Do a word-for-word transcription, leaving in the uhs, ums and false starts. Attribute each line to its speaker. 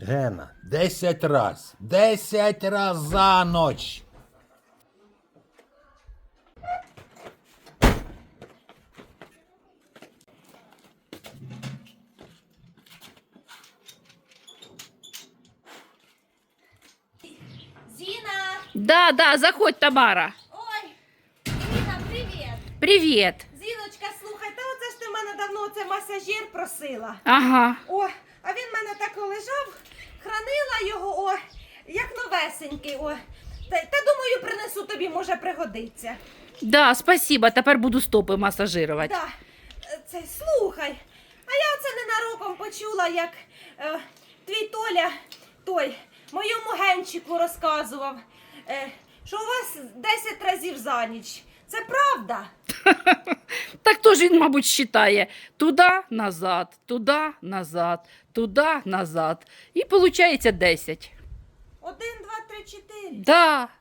Speaker 1: Гена, десять раз. Десять раз за ніч.
Speaker 2: Зіна!
Speaker 3: Да, да, заходь, Тамара.
Speaker 2: Ой! Зіна, привіт!
Speaker 3: Привіт.
Speaker 2: Зіночка, слухай, та оце ж ти в мене давно оце масажир просила.
Speaker 3: Ага.
Speaker 2: О, а він в мене так лежав, хранила його, о, як новесенький, о. Та, та думаю, принесу тобі, може пригодиться.
Speaker 3: Да, спасибо, тепер буду стопи масажирувати.
Speaker 2: Да, е, це, слухай, а я оце ненароком почула, як е, твій Толя, той, моєму Генчику розказував, е, що у вас десять разів за ніч. Це правда?
Speaker 3: Так то ж він, мабуть, считає. Туда, назад, туда, назад, туда, назад. І виходить десять.
Speaker 2: Один, два, три, чотири.
Speaker 3: Да.